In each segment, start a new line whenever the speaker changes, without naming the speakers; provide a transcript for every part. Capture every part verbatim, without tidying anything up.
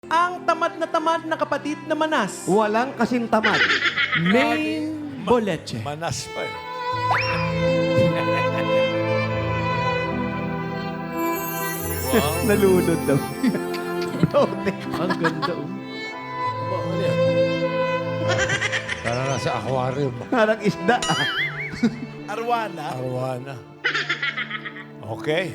Ang tamad na tamad na kapatid na manas.
Walang kasing tamad.
Main Boleche.
Manas pa eh. Wow.
Nalunod daw. Blote.
Ang ganda oh.
Ba, ano yan? Parang nasa aquarium.
Parang isda.
Arwana.
Arwana. Okay.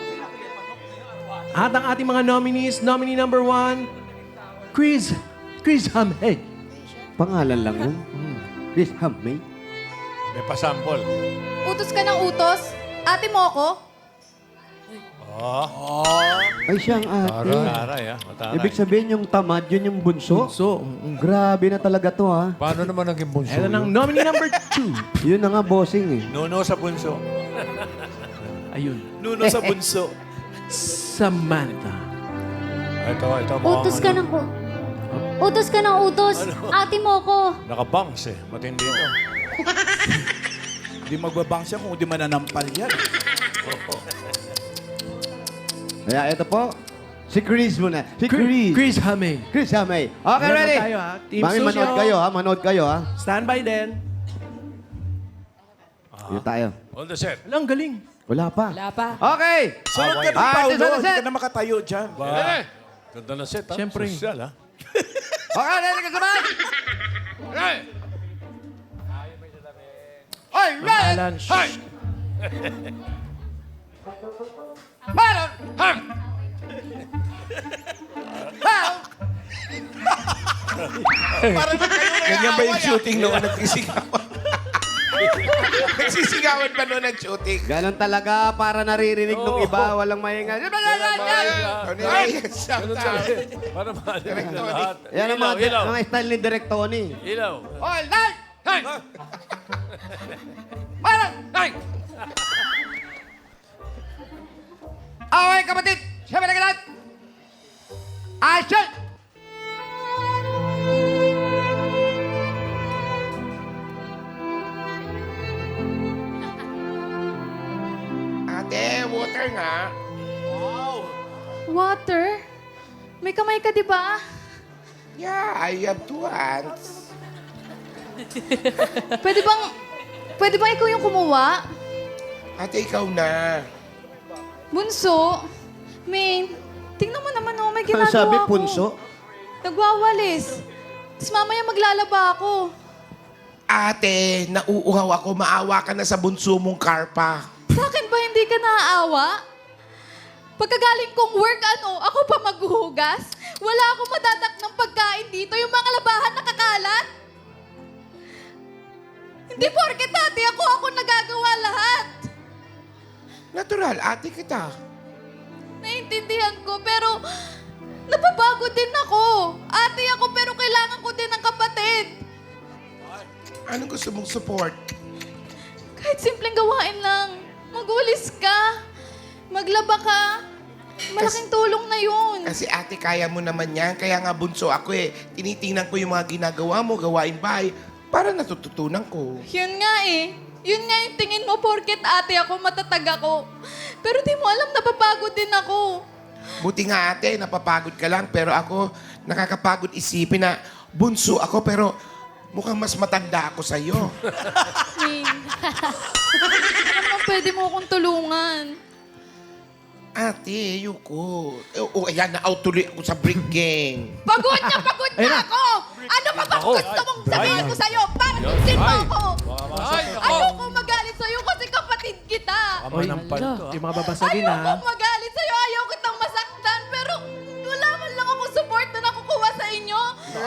At ang ating mga nominees, nominee number one, Chris, Chris Hamhead.
Pangalan lang yun. Chris Hamay.
May pasample.
Utos ka ng utos? Ate mo ako?
Oh.
Ay, siya ang ate.
Mataray ah. Mataray.
Ibig sabihin yung tamad, yun yung bunso?
So,
Grabe na talaga to, ha?
Paano naman naging bunso
ito ng
yun?
nominee number two.
Yun na nga, bossing, eh.
Nuno sa bunso.
Ayun,
Nuno sa bunso.
Samantha.
Ito, ito. mukhang
Utos ka
ano,
ng u- Utos ka ng utos. Ate mo ko.
Nakabangs eh. Matindi ito.
Hindi magbabang siya kung hindi mananampal yan.
Kaya ito po, si Chris muna. Si
Chris,
Chris.
Chris Hamay.
Chris Hamay. Okay,
Meron
ready?
tayo, ha? Team
Mami,
Susyo.
manood kayo, ha? Manood kayo, ha?
Stand by din.
Dito tayo.
All the set.
Alang galing.
Wala pa.
Wala pa.
Okay!
Sunod ka ng
Ah,
Paolo.
ito,
Hindi
set.
ka na makatayo dyan.
Ba? Ganda na set ha.
Siyempre.
Social ha.
Okay, ready ka sabay? Oy, ready!
Alan, shh.
Meron! Ha!
Ganyan ba yung shooting noon nagsisigawan? Nagsisigawan pa noon nag-shooting.
Ganon talaga para naririnig ng iba, walang mahinga.
Ano
Ay, shout
Ganun
out.
talaga. Para marinig na lahat.
Yan ang mga,
Ilaw, ilaw.
mga style ni Direk Tony.
Ilaw.
All night! Hey! Meron! Hey! Okay, kapatid! Siyempre na lahat! Action!
Ate, water nga.
Water? May kamay ka, di ba?
Yeah, I have two hands.
Pwede bang... Pwede bang ikaw yung kumuha?
Ate, ikaw na.
Bunso? Main, tingnan mo naman oh, may
Ano
ginagawa
sabi,
ko.
punso?
Nagwawalis. Tapos mamaya maglalaba ako.
Ate, nauuhaw ako. Maawa ka na sa bunso mong karpa.
Sa akin ba hindi ka naaawa? Pagkagaling kong work, ano, ako pa maghuhugas? Wala akong madadak ng pagkain dito. Yung mga labahan nakakalat. Hindi porket ate ako, ako nagagawa lahat.
Natural, ate kita.
Naiintindihan ko, pero napapagod din ako. Ate ako, pero kailangan ko din ng kapatid.
Anong gusto mong support?
Kahit simpleng gawain lang. Magulis ka. Maglaba ka. Malaking tulong na yun.
Kasi ate, kaya mo naman yan. Kaya nga bunso ako eh. Tinitingnan ko yung mga ginagawa mo, gawain bahay, para natututunan ko.
Yun nga eh. Yun nga yung tingin mo, porket ate ako, matatag ako. Pero di mo alam, napapagod din ako.
Buti nga ate, napapagod ka lang. Pero ako, nakakapagod isipin na bunso ako, pero mukhang mas matanda ako sa'yo.
Min. Alam mo, pwede mo akong tulungan.
Ate, ayoko. O, oh, ayan, na-out tuloy ako sa brick gang.
Pagod na pagod na ako! Ano pa bang gusto mong sabihin ko sa'yo? Para tusin mo ako! Ayoko magalit sa'yo kasi kapatid kita!
Oy, yung mga babasagin
Ayoko
ha.
magalit sa'yo, ayaw kitang masaktan, pero wala man lang akong support na nakukuha sa inyo.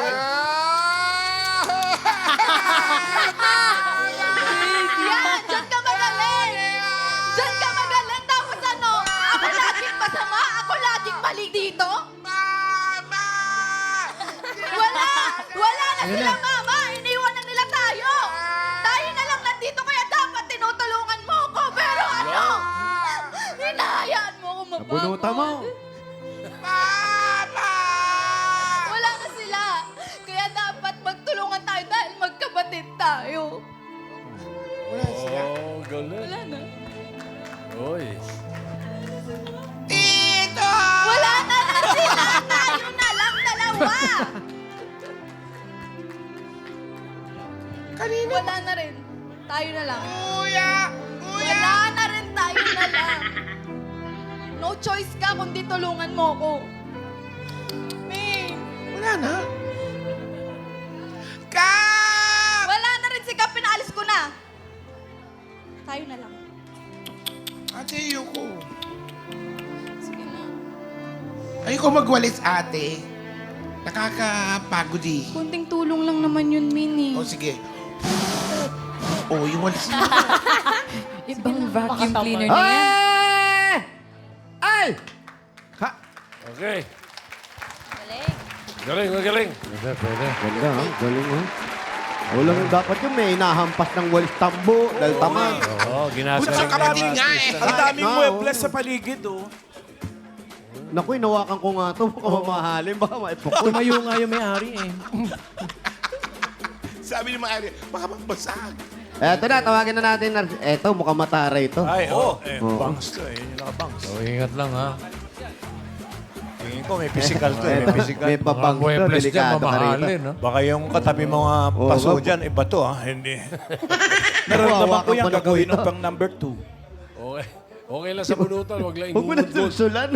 Yan! Diyan ka magaling! Diyan ka magaling! Tapos ano? Ako laging masama? Ako laging mali dito?
Mama!
Wala! Wala na sila, mama! Iniwan na nila tayo! Tayo na lang nandito, kaya dapat tinutulungan mo ko. Pero ano? Hinahayaan mo ako mapagod.
Nabunutan mo.
Mama!
Wala na sila. Kaya dapat magtulungan tayo dahil magkapatid tayo.
Wala sila.
Oh, galing.
Wala na.
Oy.
Tito!
Wala na na sila! Tayo na lang dalawa.
Kanina.
Wala na rin. Tayo na lang.
Kuya! Kuya!
Wala na rin, tayo na lang. No choice ka kundi tulungan mo ko. May,
Wala na. Kap!
wala na rin si Kap, pinaalis ko na. Tayo na lang.
Ate, ayoko.
Sige na.
Ayoko magwalis, ate. Nakakapagod eh.
Kunting tulong lang naman yun, Min, eh.
O sige. Oh, yung walis na.
Ibang vacuum cleaner na yan.
Ay! Ay! Ha?
Okay. Galing, magaling.
Pwede, pwede.
Ganda ha? Galing ha? Wala nang dapat yung may nahampas ng walis tambo, dahil tamad.
Oo, ginasa
Bunso kapatid nga eh.
Ang daming
Na,
muebles
oh.
sa paligid, oh.
Naku, inawakan ko nga to. Baka mamahalin, baka maipukot.
Tumayo nga yung may-ari eh.
Sabi ni Mari, baka magbasag.
Eto na, tawagin na natin. Eto, mukhang mataray to.
Ay, oh. Eh,
Oo.
bangs to, eh. Yun yung nakabangs.
So, ingat lang, ha?
Tingin ko, may physical to, eh. May physical.
May papang to,
Muebles dyan,
delikado ka rito.
mamahalin, ha?
Baka yung katabi mga
Oo,
paso
wag-
dyan, iba to, ha? Hindi. Nararamdaman ko
Hawakan
yan,
pa na
gagawin
kuya.
ng pang number two.
Okay. Okay lang sa bunutan, wag lang
Huwag mo na
ingungod-god.
sulsulan.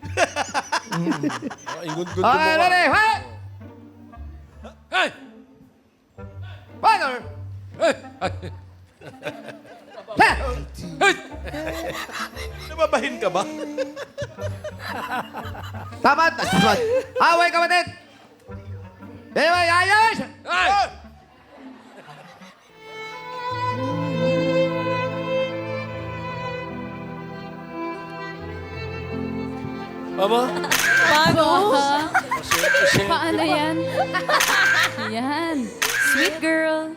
Ah, Ingungod
Ay,
mo.
ready, hey!
Hey!
Father!
Hey!
Hey!
Hey!
Nababahin ka ba?
Tamad! Tamad! Away, kapatid! Anyway, ayos!
Hey! Aba?
Paano?
Kasi,
Paano yan? Yan. Sweet girl.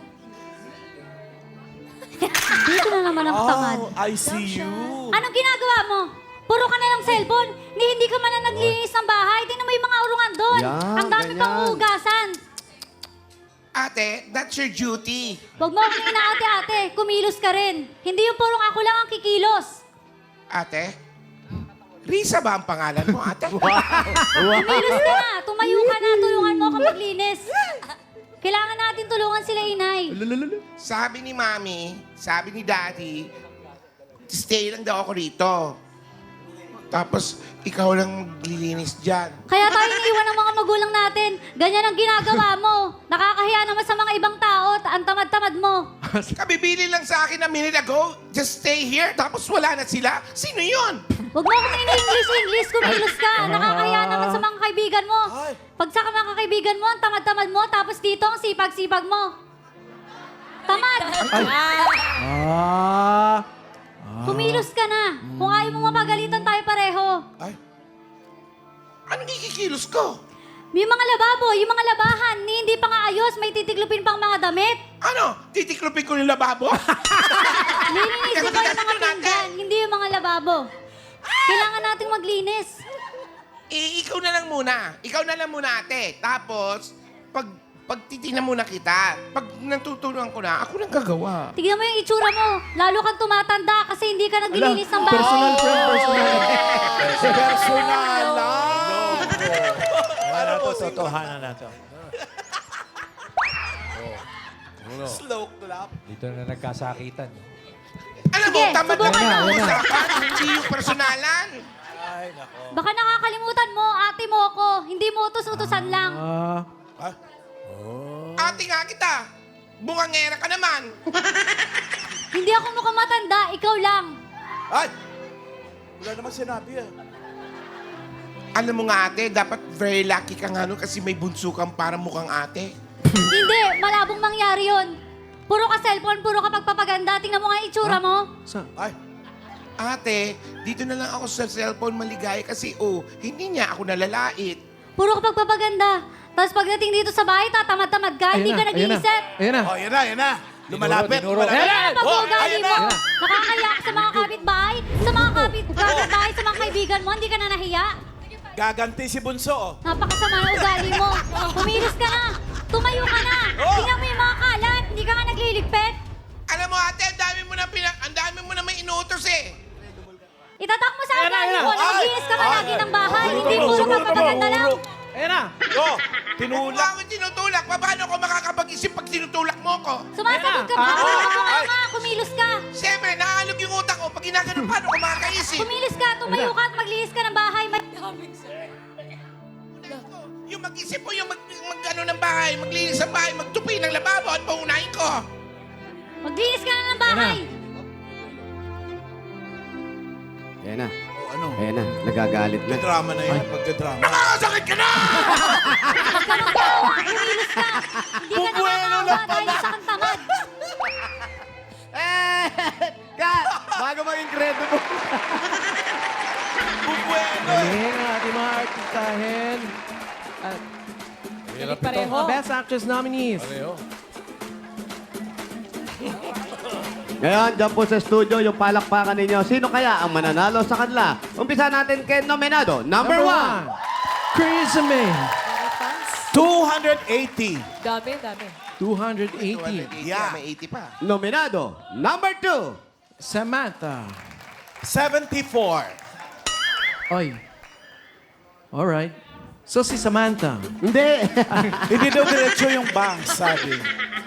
Dito na naman ang tamad.
Oh, I see you.
Anong ginagawa mo? Puro ka na lang cellphone. Ni hindi ka man na naglinis ng bahay. Tingnan mo yung mga urungan doon.
Yan,
Ang dami
ganyan.
pang hugasan.
Ate, that's your duty.
Huwag mo akong inaate-ate. Kumilos ka rin. Hindi yung purong ako lang ang kikilos.
Ate? Risa ba ang pangalan mo, ate?
Kumilos ka na. Tumayo ka na. Tulungan mo ako maglinis. Kailangan natin tulungan sila, inay.
Sabi ni Mami, sabi ni Daddy, stay lang daw ako rito. Tapos, ikaw lang maglilinis dyan.
Kaya tayo iniwan ng mga magulang natin. Ganyan ang ginagawa mo. Nakakahiya naman sa mga ibang tao. Ang tamad-tamad mo.
Kabibili lang sa akin a minute ago, just stay here, tapos wala na sila. Sino yun?
Huwag mo akong ini-English-English. Kumilos ka. Nakakahiya naman sa mga kaibigan mo. Pag sa mga kaibigan mo, ang tamad-tamad mo. Tapos dito, ang sipag-sipag mo. Tamad!
Ah!
Kumilos ka na. Kung ayaw mo mapagalitan tayo pareho.
Ay, anong ikikilos ko?
Yung mga lababo, yung mga labahan, ni hindi pa nga ayos, may titiklupin pang mga damit.
Ano? Titiklopin ko yung lababo?
Lilinisin ko yung mga pinggan, hindi yung mga lababo. Kailangan nating maglinis.
Eh, ikaw na lang muna. Ikaw na lang muna, ate. Tapos, pag pagtitingnan muna kita, pag natutulungan ko na, ako nang gagawa.
Tignan mo yung itsura mo. Lalo kang tumatanda kasi hindi ka naglilinis ng bahay.
Personal friend, personal.
Personal lang. Ano to, totohanan na to.
Uno.
Slow clap.
Dito na nagkasakitan.
Alam mo,
Sige,
tamad na
subukan
lang
mo.
ang usapan. Hindi yung personalan.
Ay, nako.
Baka nakakalimutan mo, ate mo ako. Hindi mo utos-utosan lang.
Ah,
Ate nga kita. Bungangera ka naman.
Hindi ako mukhang matanda, ikaw lang.
Ay! Wala naman sinabi, ah.
Alam mo nga, ate, dapat very lucky ka nga nun kasi may bunso kang parang mukhang ate.
Hindi, malabong mangyari yon. Puro ka cellphone, puro ka pagpapaganda. Tingnan mo nga yung itsura mo.
sa...
Ay!
Ate, dito na lang ako sa cellphone maligaya kasi, oh, hindi niya ako nalalait.
Puro ka pagpapaganda. Tapos pagdating dito sa bahay, tatamad-tamad ka, hindi ka
Ayan na,
nag-iisip.
Ayan na.
Oh, yan na, yan na. Lumalapit,
Tinuro, tinuro.
lumalapit.
Kaya ang pag-uugali
Oh, ayan
mo.
na.
Nakakaya ka sa mga kapitbahay, sa mga kapit kapitbahay, sa mga kaibigan mo, hindi ka na nahiya.
Gaganti si Bunso, oh.
Napakasama ng ugali mo. Kumilos ka na. Tumayo ka na.
Oh!
Tingnan mo yung mga kalat. Hindi ka nga nagliligpit.
Alam mo, ate, ang dami mo na pina... Ang dami mo na may inuutos eh.
Itatak mo sa ugali mo na
Ay!
maglinis ka palagi
Ay!
ng bahay.
Ay!
Hindi
Ay!
puro
Ay!
pagpapaganda lang.
Ayan na.
Oh,
Kung mo ako tinutulak, paano ako makakapag-isip pag tinutulak mo ko?
Sumasagot ka ba?
Ah,
Kumilos ka
ay.
nga, kumilos ka.
Siyempre, naalog yung utak ko. Pag ginaganon, paano ako makakaisip?
Kumilos ka, tumayo ka at maglinis ka ng bahay. Mag-
Yung mag-isip mo, yung mag, mag ano ng bahay, maglinis ng bahay, magtupi ng lababo at paunahin ko.
maglinis ka na ng bahay.
Ayan na.
ano?
Ayan na. Nagagalit na.
Drama na yan, pagka-drama.
Nakakasakit ka na!
Huwag ka magtawa, kumilos ka. Hindi ka nakakawa dahil sa kang tamad.
Eh! Kat! Bago maging kredo mo.
Galing ang ating mga artistahin. At
Hirap ito.
Pareho.
mga Best Actress nominees.
Pareho.
Ngayon, dyan po sa studio, yung palakpakan ninyo. Sino kaya ang mananalo sa kanila? Umpisa natin kay nominado. Number, one.
Chris May.
two hundred eighty.
Dami, dami.
two hundred eighty.
Yeah.
May eighty pa.
Nominado. Number two.
Samantha.
seventy-four.
Oy. Alright. So si Samantha.
Hindi.
Hindi daw diretso yung bank, sabi.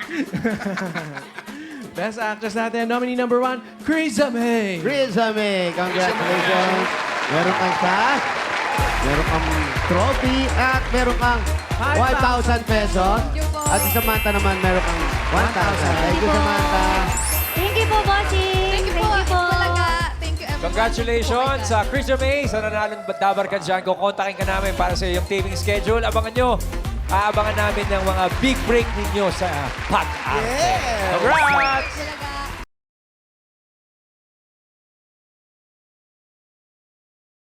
Best Actress natin, nominee number one, Chris May.
Risa May, congratulations. Meron kang cash, meron kang trophy, at meron kang five thousand pesos. At si Samantha naman, meron kang one thousand. Thank you, Samantha.
Thank you po, bossing.
Thank you po. Talaga. Thank you, everyone.
Congratulations sa Chris May sa nanalong dabar ka dyan. Kukontakin ka namin para sa iyong taping schedule. Abangan nyo. Aabangan namin ng mga big break ninyo sa pag-arte.
Yeah.
Congrats!
Talaga.